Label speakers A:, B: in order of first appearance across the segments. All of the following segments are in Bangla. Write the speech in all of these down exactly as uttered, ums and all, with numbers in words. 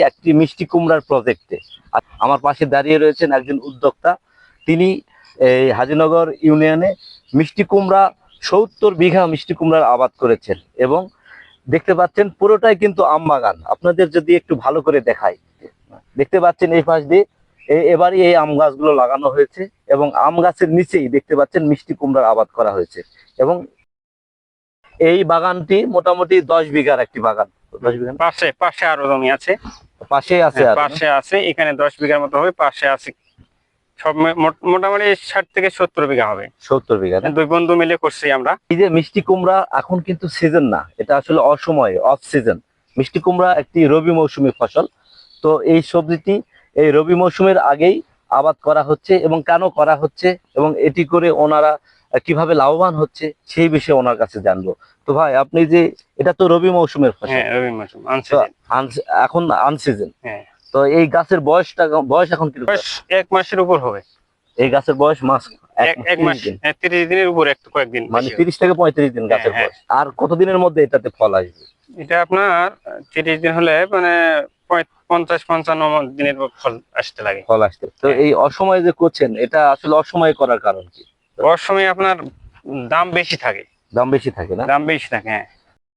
A: একটি মিষ্টি কুমড়ার প্রজেক্টে। আমার পাশে দাঁড়িয়ে রয়েছেন একজন উদ্যোক্তা। তিনি এই হাজীনগর ইউনিয়নে মিষ্টি কুমড়া সত্তর বিঘা মিষ্টি কুমড়ার আবাদ করেছেন এবং দেখতে পাচ্ছেন পুরোটাই কিন্তু আম বাগান। আপনাদের যদি একটু ভালো করে দেখাই, দেখতে পাচ্ছেন এই পাশ দিয়ে এবারই এই আম গাছগুলো লাগানো হয়েছে এবং আম গাছের নিচেই দেখতে পাচ্ছেন মিষ্টি কুমড়ার আবাদ করা হয়েছে এবং এই বাগানটি মোটামুটি দশ বিঘার একটি বাগান। দশ বিঘা
B: পাশে পাশে আরো জমি আছে,
A: পাশে আছে,
B: পাশে আছে, এখানে দশ বিঘার মতো হবে, পাশে আছে সব মোটামুটি ষাট থেকে সত্তর বিঘা হবে।
A: সত্তর বিঘা
B: দুই বন্ধু মিলে করছি আমরা।
A: এই যে মিষ্টি কুমড়া এখন কিন্তু সিজন না, এটা আসলে অসময়ে, অফ সিজন। মিষ্টি কুমড়া একটি রবি মৌসুমী ফসল। তো এই সবজিটি এই রবি মৌসুমের আগেই আবাদ করা হচ্ছে এবং কেন করা হচ্ছে এবং এটি করে ওনারা কিভাবে লাভবান হচ্ছে সেই বিষয়ে ওনার কাছে জানবো। তো ভাই, আপনি যে এটা তো রবি মৌসুমের ফসল,
B: হ্যাঁ রবি মৌসুম,
A: এখন আনসিজন।
B: হ্যাঁ।
A: তো এই গাছের বয়সটা বয়স এখন কি?
B: বয়স এক মাসের উপর হবে।
A: এই গাছের বয়স মাস
B: এক মাস তিরিশ দিনের উপর, একটু কয়েকদিন,
A: মানে তিরিশ থেকে পঁয়ত্রিশ দিন গাছের বয়স। আর কতদিনের মধ্যে এটাতে ফল আসবে?
B: এটা আপনার তিরিশ দিন হলে মানে পঞ্চাশ পঞ্চান্ন দিনের ফল আসতে লাগে,
A: ফল আসতে। তো এই অসময়ে যে করছেন, এটা আসলে অসময়ে করার কারণ কি?
B: অসময়ে আপনার দাম বেশি থাকে।
A: দাম বেশি থাকে না?
B: দাম বেশি থাকে, হ্যাঁ।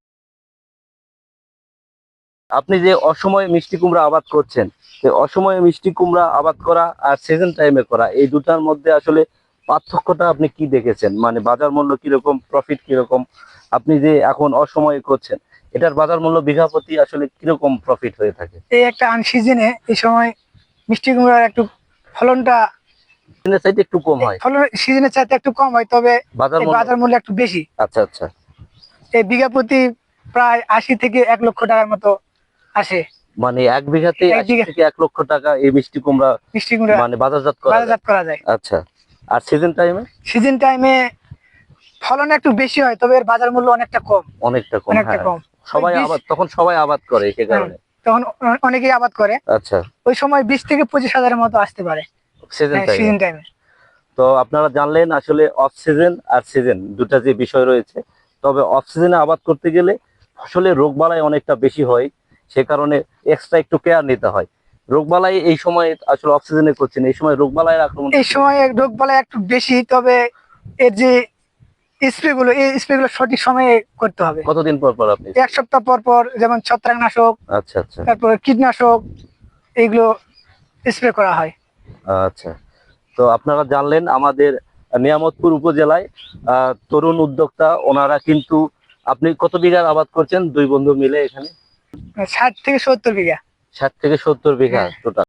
A: আপনি যে অসময়ে মিষ্টি কুমড়া আবাদ করছেন, অসময়ে মিষ্টি কুমড়া আবাদ করা আর সিজন টাইমে করা, এই দুটার মধ্যে আসলে পার্থক্যটা আপনি কি দেখেছেন? মানে বাজার মূল্য কিরকম, প্রফিট কিরকম? আপনি যে এখন অসময়ে করছেন, এটার বাজার মূল্য বিঘা প্রতি আসলে কিরকম প্রফিট হয়ে থাকে?
C: এই একটা আনসিজনে এই সময় মিষ্টি কুমড়ার একটু ফলনটা
A: সিজনের চাইতে একটু কম হয়।
C: ফলন সিজনের চাইতে একটু কম হয়, তবে বাজার মূল্য একটু বেশি।
A: আচ্ছা আচ্ছা।
C: এই বিঘা প্রতি প্রায় আশি থেকে এক লক্ষ টাকার মতো আসে।
A: মানে এক বিঘাতে আশি থেকে এক লক্ষ টাকা এই মিষ্টি কুমড়া
C: মিষ্টি কুমড়া
A: মানে বাজারজাত করা
C: বাজারজাত করা যায়।
A: আচ্ছা। আর সিজন টাইমে?
C: সিজন টাইমে ফলন একটু বেশি হয়, তবে এর বাজার মূল্য অনেকটা কম।
A: অনেকটা কম,
C: অনেকটা কম।
A: সবাই আবাদ তখন সবাই আবাদ করে, সে কারণে
C: তখন অনেকেই আবাদ করে।
A: আচ্ছা।
C: ওই সময় বিশ থেকে পঁচিশ হাজারের মতো আসতে পারে
A: সিজন টাইমে। তো আপনারা জানলেন আসলে অফ সিজন আর সিজন দুটা যে বিষয় রয়েছে। তবে অফ সিজনে আবাদ করতে গেলে ফসলের রোগবালাই অনেকটা বেশি হয়, সে কারণে এক্সট্রা একটু কেয়ার নিতে হয়। রোগবালাই এই সময় আসলে অফ সিজনে করছেন, এই সময় রোগবালাইয়ের আক্রমণ
C: এই সময় রোগবালাই একটু বেশি, তবে এর যে স্প্রে গুলো, এই স্প্রে গুলো সঠিক সময়ে করতে হবে।
A: কতদিন পর পর আপনি?
C: এক সপ্তাহ পর পর, যেমন ছত্রাকনাশক,
A: আচ্ছা আচ্ছা,
C: তারপর কীটনাশক, এইগুলো স্প্রে করা হয়।
A: আচ্ছা। তো আপনারা জানলেন আমাদের নিয়ামতপুর উপজেলায় তরুণ উদ্যোক্তা, ওনারা কিন্তু, আপনি কত বিঘার আবাদ করছেন দুই বন্ধু মিলে এখানে?
C: ষাট থেকে সত্তর বিঘা।
A: ষাট থেকে সত্তর বিঘা টোটাল।